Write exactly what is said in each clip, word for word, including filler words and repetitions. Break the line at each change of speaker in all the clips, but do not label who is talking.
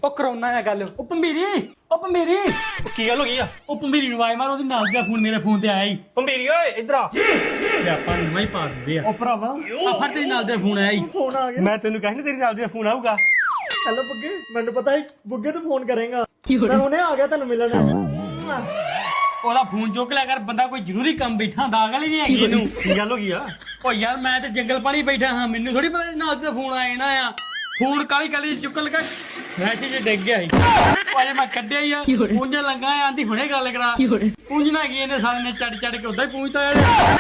ਉਹ ਕਰੋਨਾ ਆ ਗੱਲ। ਉਹ ਭੰਬੀਰੀ ਉਹ ਭੰਬੀਰੀ
ਕੀ ਗੱਲ ਹੋ ਗਈ ਆ?
ਉਹ ਭੰਬੀਰੀ ਨੂੰ ਆਵਾਜ਼ ਮਾਰ, ਉਹਦੀ ਨਾਲ ਦਾ ਫੋਨ ਮੇਰੇ ਫੋਨ ਤੇ ਆਇਆ ਹੀ।
ਭੰਬੀਰੀ ਓਏ ਇੱਧਰ ਆ।
ਸਿਆਪਾ ਨੂੰ ਹੀ ਪਾ ਦਿੰਦੇ ਆ।
ਉਹ ਭਰਾਵਾ
ਆ ਫੜ ਤੇਰੀ ਨਾਲ ਦਾ ਫੋਨ ਆਇਆ ਹੀ।
ਫੋਨ ਆ ਗਿਆ।
ਮੈਂ ਤੈਨੂੰ ਕਹਿੰਦਾ ਤੇਰੀ ਨਾਲ ਦਾ ਫੋਨ ਆਊਗਾ।
ਹੈਲੋ ਬੁੱਗੇ, ਮੈਨੂੰ ਪਤਾ ਹੈ ਬੁੱਗੇ ਤੂੰ ਫੋਨ ਕਰੇਗਾ। ਮੈਂ ਹੁਣੇ ਆ ਗਿਆ ਤੈਨੂੰ ਮਿਲਣ।
ਉਹਦਾ ਫੋਨ ਚੁੱਕ ਲਿਆ ਕਰ, ਬੰਦਾ ਕੋਈ ਜ਼ਰੂਰੀ ਕੰਮ ਬੈਠਾ ਹੁੰਦਾ। ਅਗਲ ਹੀ ਨਹੀਂ ਹੈਗੀ ਇਹਨੂੰ।
ਕੀ ਗੱਲ ਹੋ ਗਈ ਆ?
ਓ ਯਾਰ ਮੈਂ ਤੇ ਜੰਗਲ ਪਾਣੀ ਬੈਠਾ ਹਾਂ, ਮੈਨੂੰ ਥੋੜੀ ਪਤਾ ਨਾਲ ਦਾ ਫੋਨ ਆ ਜਾਣਾ ਆ। ਫੋਨ ਕਾਲੀ ਕਾਲੀ ਚੁੱਕ ਲਗਾ ਮੈਸੇਜ ਡਿੱਗ ਗਿਆ ਸੀ। ਅਜੇ ਮੈਂ ਕੱਢਿਆ ਹੀ ਆ, ਪੂੰਝ ਲੰਗਾ ਆਂਦੀ ਹੁਣੇ ਗੱਲ ਕਰਾ। ਪੂੰਝਣਾ ਕੀ ਇਹਨੇ ਸਾਲੇ ਨੇ ਚੜ ਚੜ ਕੇ ਉਦਾਂ ਹੀ ਪੂੰਝਤਾ ਆ।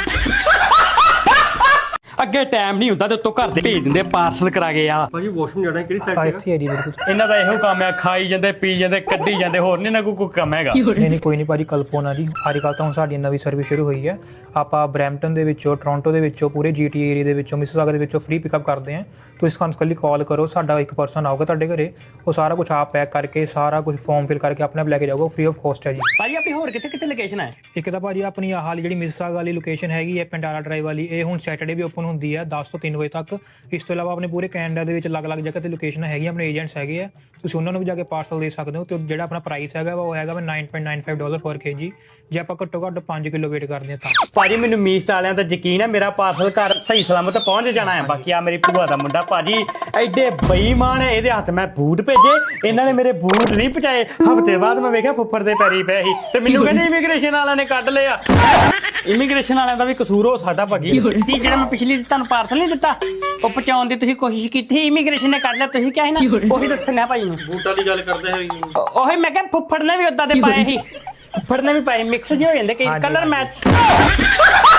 ਅੱਗੇ ਟਾਈਮ ਨਹੀਂ ਹੁੰਦਾ ਤੇ ਉੱਤੋਂ ਘਰ ਦੇ ਭੇਜ ਦਿੰਦੇ ਪਾਰਸਲ ਕਰਾ ਕੇ ਆ।
ਭਾਜੀ ਵਾਸ਼ਰੂਮ ਜਾਣਾ ਕਿਹੜੀ ਸਾਈਡ
ਆ
ਤੇ?
ਇੱਥੇ ਹੈ ਜੀ ਮੇਰੇ ਕੋਲ।
ਇਹਨਾਂ ਦਾ ਇਹੋ ਕੰਮ ਆ, ਖਾਈ ਜਾਂਦੇ ਪੀ ਜਾਂਦੇ ਕੱਢੀ ਜਾਂਦੇ, ਹੋਰ ਨਹੀਂ ਨਾ ਕੋਈ ਕੋਈ ਕੰਮ ਹੈਗਾ।
ਨਹੀਂ ਨਹੀਂ ਕੋਈ ਨਹੀਂ ਭਾਜੀ, ਕਲਪੋਨਾ ਜੀ ਅੱਜ ਕੱਲ੍ਹ ਤਾਂ ਹੁਣ ਸਾਡੀ ਨਵੀਂ ਸਰਵਿਸ ਸ਼ੁਰੂ ਹੋਈ ਹੈ। ਆਪਾਂ ਬਰੈਂਪਟਨ ਦੇ ਵਿੱਚੋਂ, ਟੋਰਾਂਟੋ ਦੇ ਵਿੱਚੋਂ, ਪੂਰੇ ਜੀਟੀ ਏਰੀਆ ਦੇ ਵਿੱਚੋਂ, ਮਿਸਿਸਾਗਾ ਦੇ ਵਿੱਚੋਂ ਫ੍ਰੀ ਪਿਕਅਪ ਕਰਦੇ ਹਾਂ। ਤੁਸੀਂ ਸਾਨੂੰ ਇਕੱਲੀ ਕਾਲ ਕਰੋ, ਸਾਡਾ ਇੱਕ ਪਰਸਨ ਆਊਗਾ ਤੁਹਾਡੇ ਘਰੇ। ਉਹ ਸਾਰਾ ਕੁਝ ਆਪ ਪੈਕ ਕਰਕੇ, ਸਾਰਾ ਕੁਝ ਫਾਰਮ ਫਿਲ ਕਰਕੇ ਆਪਣੇ ਆਪ ਲੈ ਕੇ ਜਾਊਗਾ, ਫ੍ਰੀ ਆਫ ਕਾਸਟ ਹੈ ਜੀ।
ਭਾਜੀ ਆਪਣੀ ਹੋਰ ਕਿੱਥੇ ਕਿੱਥੇ ਲੋਕੇਸ਼ਨ ਹੈ?
ਇੱਕ ਤਾਂ ਭਾਜੀ ਆਪਣੀ ਆਹ ਵਾਲੀ ਜਿਹੜੀ ਮਿਸਿਸਾਗਾ ਵਾਲੀ ਲੋਕੇਸ਼ਨ ਹੈਗੀ ਹੈ ਪੈਂਡਾਲਾ ਡਰਾਈਵ ਵਾਲੀ, ਇਹ ਹੁਣ ਸੈਟਰਡੇ ਵੀ ਓਪਨ ਹੁੰਦੀ ਹੈ ਦਸ ਤੋਂ ਤਿੰਨ ਵਜੇ ਤੱਕ। ਇਸ ਤੋਂ ਇਲਾਵਾ ਆਪਣੇ ਪੂਰੇ ਕੈਨੇਡਾ ਦੇ ਵਿੱਚ ਅਲੱਗ-ਅਲੱਗ ਜਗ੍ਹਾ ਤੇ ਲੋਕੇਸ਼ਨ ਹੈਗੀ, ਆਪਣੇ ਏਜੰਟਸ ਹੈਗੇ ਆ, ਤੁਸੀਂ ਉਹਨਾਂ ਨੂੰ ਵੀ ਜਾ ਕੇ ਪਾਰਸਲ ਦੇ ਸਕਦੇ ਹੋ। ਤੇ ਜਿਹੜਾ ਆਪਣਾ ਪ੍ਰਾਈਸ ਹੈਗਾ ਉਹ ਹੈਗਾ nine point nine five dollar per KG, ਜੇ ਆਪਾਂ ਘੱਟੋ ਘੱਟ ਪੰਜ ਕਿਲੋ ਵੇਟ ਕਰਦੇ ਹਾਂ ਤਾਂ।
ਭਾਜੀ ਮੈਨੂੰ ਮੀਸਟ ਵਾਲਿਆਂ ਤੇ ਯਕੀਨ ਹੈ, ਮੇਰਾ ਪਾਰਸਲ ਘਰ ਸਹੀ ਸਲਾਮਤ ਪਹੁੰਚ ਜਾਣਾ ਹੈ। ਬਾਕੀ ਆ ਮੇਰੀ ਭੂਆ ਦਾ ਮੁੰਡਾ ਭਾਜੀ ਐਡੇ ਬੇਈਮਾਨ ਹੈ, ਇਹਦੇ ਹੱਥ ਮੈਂ ਬੂਟ ਭੇਜੇ, ਇਹਨਾਂ ਨੇ ਮੇਰੇ ਬੂਟ ਨਹੀਂ ਪਹੁੰਚਾਏ। ਹਫ਼ਤੇ ਬਾਅਦ ਮੈਂ ਵੇਖਿਆ ਫੁੱਫੜ ਦੇ ਪੈਰੀ ਪਏ ਸੀ ਤੇ ਮੈਨੂੰ ਕਹਿੰਦੇ ਇਮੀਗ੍ਰੇਸ਼ਨ ਵਾਲਿਆਂ ਨੇ ਕੱਢ ਲਿਆ। ਇਮੀਗ੍ਰੇਸ਼ਨ ਵਾਲਿਆਂ ਦਾ ਵੀ ਕਸੂਰ ਹੋ ਸਕਦਾ ਭਾਜੀ। ਤੀ ਜਿਹੜਾ ਮੈਂ ਪਿਛਲੀ ਤੁਹਾਨੂੰ ਪਾਰਸਲ ਨਹੀਂ ਦਿੱਤਾ, ਉਹ ਪਹੁੰਚਾਉਣ ਦੀ ਤੁਸੀਂ ਕੋਸ਼ਿਸ਼ ਕੀਤੀ, ਇਮੀਗ੍ਰੇਸ਼ਨ ਨੇ ਕੱਢ ਲਿਆ। ਤੁਸੀਂ ਕਿਹਾ ਸੀ ਨਾ, ਉਹੀ ਦੱਸਣਾ ਭਾਈ ਨੂੰ।
ਬੂਟਾਂ ਦੀ ਗੱਲ ਕਰਦੇ ਹੋਈ
ਉਹੀ ਮੈਂ ਕਿਹਾ ਫੁੱਫੜ ਨੇ ਵੀ ਉਦਾਂ ਦੇ ਪਾਏ ਸੀ, ਫੁੱਫੜ ਨੇ ਵੀ ਪਾਏ, ਮਿਕਸ ਜਿਹੇ ਹੋ ਜਾਂਦੇ ਕਈ ਕਲਰ ਮੈਚ।